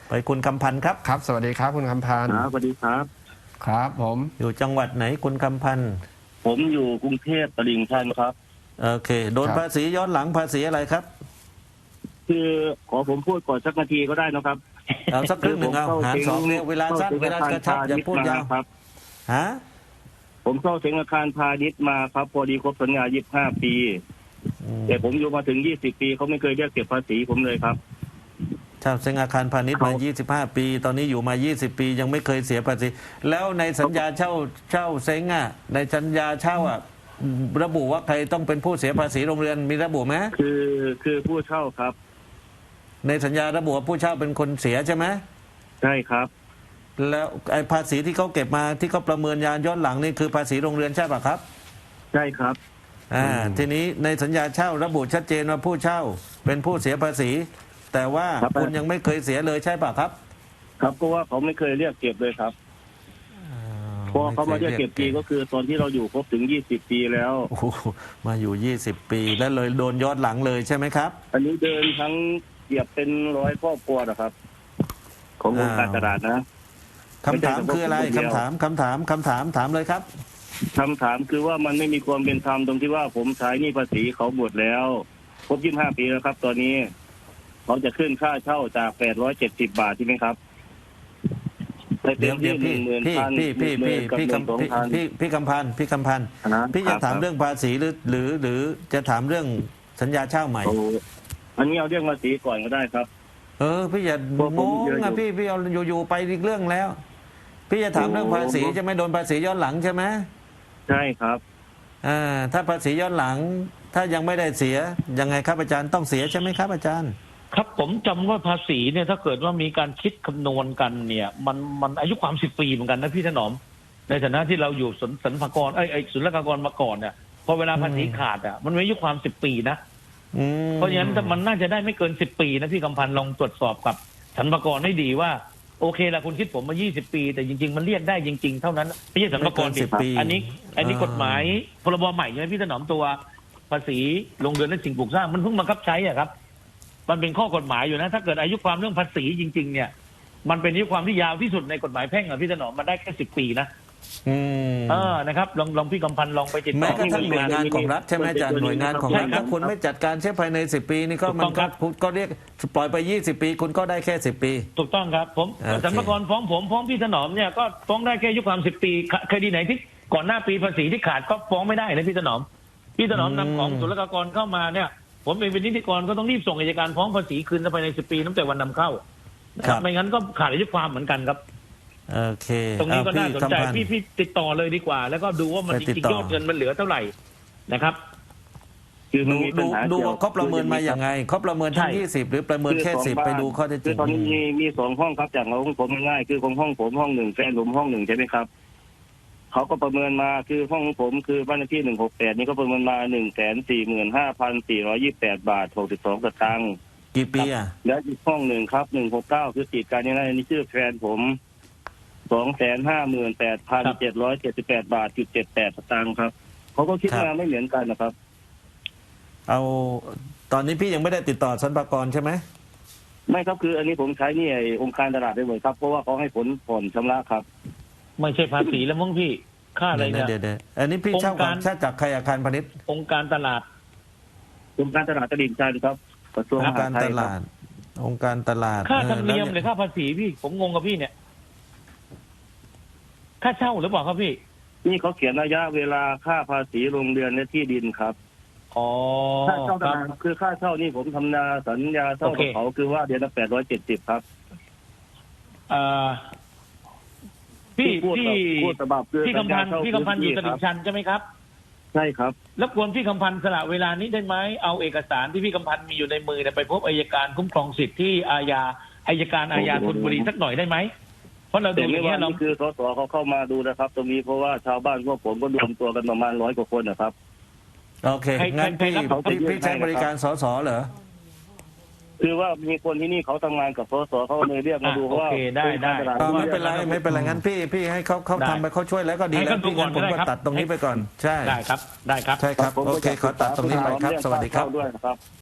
ไปคุณคำพันธ์ครับครับสวัสดีครับคุณคำพันธ์สวัสดีครับครับผมอยู่จังหวัดไหนคุณคำพันธ์ผมอยู่กรุงเทพตลิ่งชันครับโอเคโดนภาษีย้อนหลังภาษีอะไรครับคือขอผมพูดก่อนสักนาทีก็ได้นะครับเอาสักครึ่งหนึ่งเอาหารสองเนี่ยเวลาสั้นเวลากระชับอย่าพูดยาวครับฮะผมเข้าถึงอาคารพาณิชย์มาครับพอดีครบสัญญา25 ปีแต่ผมอยู่มาถึง20 ปีเขาไม่เคยเรียกเก็บภาษีผมเลยครับเช่าเซ็งอาคารพาณิชย์มา25 ปีตอนนี้อยู่มา20 ปียังไม่เคยเสียภาษีแล้วในสัญญาเช่าเซ็งอ่ะในสัญญาเช่าอ่ะระบุว่าใครต้องเป็นผู้เสียภาษีโรงเรือนมีระบุไหมคือผู้เช่าครับในสัญญาระบุว่าผู้เช่าเป็นคนเสียใช่ไหมใช่ครับแล้วไอ้ภาษีที่เขาเก็บมาที่เขาประเมินย้อนหลังนี่คือภาษีโรงเรือนใช่ป่ะครับใช่ครับทีนี้ในสัญญาเช่าระบุชัดเจนว่าผู้เช่าเป็นผู้เสียภาษีแต่ว่าคุณยังไม่เคยเสียเลยใช่ป่ะครับครับก็ว่าเขาไม่เคยเรียกเก็บเลยครับพอเขามาเรียกเก็บปีก็คือตอนที่เราอยู่ครบถึง20 ปีแล้วมาอยู่20 ปีแล้วเลยโดนย้อนหลังเลยใช่ไหมครับอันนี้เดินทั้งเหยียบเป็น100 ครอบครัวนะครับขององค์การตลาดนะคำถามคืออะไรคำถามถามเลยครับคำถามคือว่ามันไม่มีความเป็นธรรมตรงที่ว่าผมใช้หนี้ภาษีเขาหมดแล้วครบ25 ปีแล้วครับตอนนี้เขาจะขึ้นค่าเช่าจาก870 บาทใช่ไหมครับเดี๋ยวพี่คำพันธ์พี่จะถามเรื่องภาษีหรือจะถามเรื่องสัญญาเช่าใหม่อันนี้เอาเรื่องภาษีก่อนก็ได้ครับพี่อย่างงอ่ะพี่เอาอยู่ไปอีกเรื่องแล้วพี่จะถามเรื่องภาษีจะไม่โดนภาษีย้อนหลังใช่ไหมใช่ครับถ้าภาษีย้อนหลังถ้ายังไม่ได้เสียยังไงครับอาจารย์ต้องเสียใช่ไหมครับอาจารย์ครับผมจำว่าภาษีเนี่ยถ้าเกิดว่ามีการคิดคำนวณกันเนี่ยมันอายุความ10 ปีเหมือนกันนะพี่ถนอมในฐานะที่เราอยู่สรรพากรศุลกากรมาก่อนเนี่ยพอเวลาภาษีขาดมันมีอายุความ10 ปีนะเพราะฉะนั้นมันน่าจะได้ไม่เกิน10 ปีนะพี่กำพันธ์ลองตรวจสอบกับสรรพากรให้ดีว่าโอเคละคุณคิดผมมา20 ปีแต่จริงๆมันเรียกได้จริงๆเท่านั้นไม่ใช่สรรพากร 10 ปีอันนี้กฎหมายพรบใหม่ใช่ไหมพี่ถนอมตัวภาษีโรงเรือนและสิ่งปลูกสร้างมันเพิ่งบังคับใช้อ่ะครับมันเป็นข้อกฎหมายอยู่นะถ้าเกิดอายุความเรื่องภาษีจริงๆเนี่ยมันเป็นอายุความที่ยาวที่สุดในกฎหมายแพ่งอ่ะพี่ถนอมมันได้แค่10 ปีนะนะครับลองพี่กำพันธ์ลองไปติดต่อแม้กระทั่งหน่วยงานของรัฐใช่ไหมอาจารย์หน่วยงานของรัฐถ้าคุณไม่จัดการใช้ภายใน10 ปีนี่ก็มันก็เรียกปล่อยไป20 ปีคุณก็ได้แค่10 ปีถูกต้องครับผมสรรพากรฟ้องพี่ถนอมเนี่ยก็ฟ้องได้แค่อายุความ10 ปีคดีไหนที่ก่อนหน้าปีภาษีที่ขาดก็ฟ้องไม่ได้เลยพี่ถนอมนำของศุลกากรเข้ามาเนี่ยผมเองเป็นนิติกรก็ต้องรีบส่งอัยการฟ้องภาษีคืนภายใน10 ปีตั้งแต่วันนำเข้าไม่งั้นก็ขาดอายุความเหมือนกันครับโอเคตรงนี้ก็น่าสนใจพี่ติดต่อเลยดีกว่าแล้วก็ดูว่ามันจริงๆยอดเงินมันเหลือเท่าไหร่นะครับคือดูว่าเขาประเมินมาอย่างไงเขาประเมินทั้ง20หรือประเมินแค่10ไปดูข้อเท็จจริงตอนนี้มี2 ห้องครับจากของผมง่ายคือของห้องผมห้อง1แฟนผมห้อง1ใช่ไหมครับเขาก็ประเมินมาคือห้องผมคือบ้านเลขที่168นี่ก็ประเมินมา145,428 บาท62 สตางค์กี่ปีอ่ะแล้วอีกห้องหนึ่งครับ169คือติดกันนี่นะนี่ชื่อแฟนผม258,778 บาท78 สตางค์ครับเขาก็คิดมาไม่เหมือนกันนะครับเอาตอนนี้พี่ยังไม่ได้ติดต่อสรรพากรใช่ไหมไม่ครับคืออันนี้ผมใช้นี่องค์การตลาดได้เลยครับเพราะว่าเขาให้ผลผ่อนชำระครับไม่ใช่ภาษีแล้วมั้งพี่ค่าอะไรเนี่ยเดี๋ยวอันนี้พี่เช่าจากใครอาคารพาณิชย์องค์การตลาดตลิ่งชันครับกระทรวงองค์การตลาดองค์การตลาดค่าธรรมเนียมหรือค่าภาษีพี่ผมงงกับพี่เนี่ยค่าเช่าหรือเปล่าครับพี่นี่เขาเขียนระยะเวลาค่าภาษีโรงเรือนและที่ดินครับค่าเช่าคือค่าเช่านี่ผมทำสัญญาเช่ากับเขาคือว่าเดือนละ870ครับพี่คำพันธ์อยู่ตลิ่งชันใช่ไหมครับใช่ครับแล้วควรพี่คำพันธ์สละเวลานี้ได้ไหมเอาเอกสารที่พี่คำพันธ์มีอยู่ในมือไปพบอัยการคุ้มครองสิทธิ์ที่อัยการอาญาธนบุรีสักหน่อยได้ไหไหมเพราะเราดูอย่างนี้เราคือสสเขาเข้ามาดูนะครับตรงนี้เพราะว่าชาวบ้านพวกผมก็รวมตัวกันประมาณ100 กว่าคนนะครับโอเคงั้นพี่ใช้บริการสสเหรอคือว่ามีคนที่นี่เขาทำงานกับสสเขาเลยเรียกมาดูว่าได้ไม่เป็นไรงั้นพี่ให้เขาทำไปเขาช่วยแล้วก็ดีแล้วพี่งั้นผมก็ตัดตรงนี้ไปก่อนใช่ได้ครับใช่ครับโอเคขอตัดตรงนี้ไปครับสวัสดีครับ